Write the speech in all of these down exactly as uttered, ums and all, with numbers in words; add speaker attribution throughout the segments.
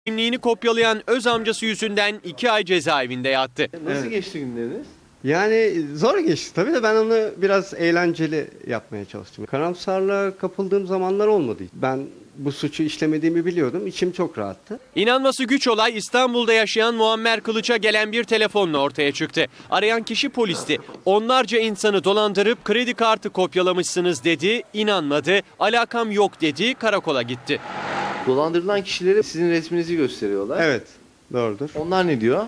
Speaker 1: Kimliğini kopyalayan öz amcası yüzünden iki ay cezaevinde yattı.
Speaker 2: Nasıl
Speaker 3: Evet.
Speaker 2: geçti günleriniz?
Speaker 3: Yani zor geçti tabii de ben onu biraz eğlenceli yapmaya çalıştım. Karamsarlığa kapıldığım zamanlar olmadı. Ben bu suçu işlemediğimi biliyordum. İçim çok rahattı.
Speaker 1: İnanması güç olay İstanbul'da yaşayan Muammer Kılıç'a gelen bir telefonla ortaya çıktı. Arayan kişi polisti. Onlarca insanı dolandırıp kredi kartı kopyalamışsınız dedi, inanmadı. Alakam yok dedi, karakola gitti.
Speaker 2: Dolandırılan kişilere sizin resminizi gösteriyorlar.
Speaker 3: Evet, doğrudur.
Speaker 2: Onlar ne diyor?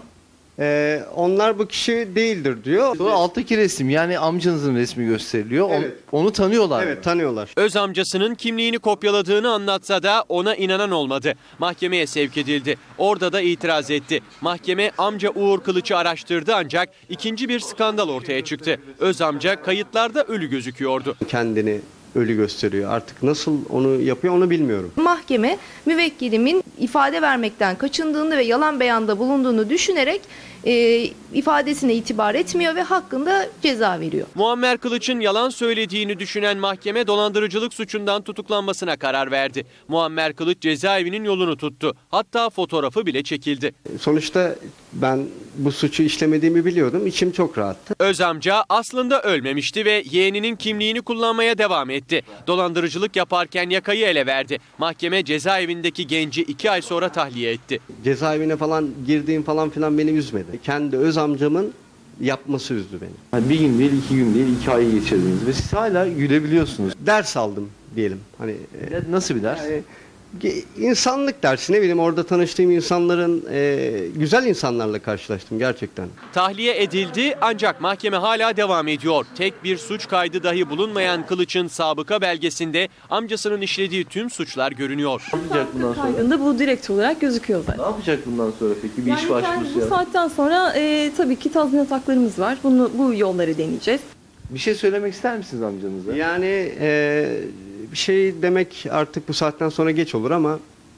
Speaker 3: Ee, onlar bu kişi değildir diyor.
Speaker 2: Sonra alttaki resim, yani amcanızın resmi gösteriliyor. On-
Speaker 3: Evet.
Speaker 2: Onu tanıyorlar mı?
Speaker 3: Evet, tanıyorlar.
Speaker 1: Öz amcasının kimliğini kopyaladığını anlatsa da ona inanan olmadı. Mahkemeye sevk edildi. Orada da itiraz etti. Mahkeme amca Uğur Kılıç'ı araştırdı ancak ikinci bir skandal ortaya çıktı. Öz amca kayıtlarda ölü gözüküyordu.
Speaker 3: Kendini ölü gösteriyor. Artık nasıl onu yapıyor onu bilmiyorum.
Speaker 4: Mahkeme müvekkilimin ifade vermekten kaçındığını ve yalan beyanda bulunduğunu düşünerek e, ifadesine itibar etmiyor ve hakkında ceza veriyor.
Speaker 1: Muammer Kılıç'ın yalan söylediğini düşünen mahkeme dolandırıcılık suçundan tutuklanmasına karar verdi. Muammer Kılıç cezaevinin yolunu tuttu. Hatta fotoğrafı bile çekildi.
Speaker 3: Sonuçta ben bu suçu işlemediğimi biliyordum. İçim çok rahattı.
Speaker 1: Öz amca aslında ölmemişti ve yeğeninin kimliğini kullanmaya devam etti. Dolandırıcılık yaparken yakayı ele verdi. Mahkeme cezaevindeki genci iki ay sonra tahliye etti.
Speaker 3: Cezaevine falan girdiğim falan filan beni üzmedi. Kendi öz amcamın yapması üzdü beni.
Speaker 2: Yani bir gün değil, iki gün değil, iki ay geçirdiniz ve siz hala gülebiliyorsunuz.
Speaker 3: Ders aldım diyelim. Hani e,
Speaker 2: Ya Nasıl bir ders?
Speaker 3: Yani, ge- insanlık dersi, ne bileyim, orada tanıştığım insanların e, güzel insanlarla karşılaştım gerçekten.
Speaker 1: Tahliye edildi ancak mahkeme hala devam ediyor. Tek bir suç kaydı dahi bulunmayan Kılıç'ın sabıka belgesinde amcasının işlediği tüm suçlar görünüyor.
Speaker 2: Ne yapacak bundan sonra?
Speaker 5: Kaydında bu direkt olarak gözüküyor zaten.
Speaker 2: Ne yapacak bundan sonra peki? Bir
Speaker 5: Yani
Speaker 2: iş
Speaker 5: kendi-
Speaker 2: başvurusu
Speaker 5: bu
Speaker 2: ya.
Speaker 5: saatten sonra e, tabii ki tazminat haklarımız var. Bunu bu yolları deneyeceğiz.
Speaker 2: Bir şey söylemek ister misiniz amcanıza?
Speaker 3: Yani e, bir şey demek artık bu saatten sonra geç olur ama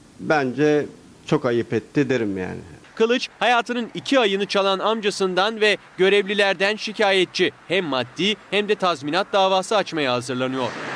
Speaker 3: bence çok ayıp etti derim yani.
Speaker 1: Kılıç hayatının iki ayını çalan amcasından ve görevlilerden şikayetçi. Hem maddi hem de tazminat davası açmaya hazırlanıyor.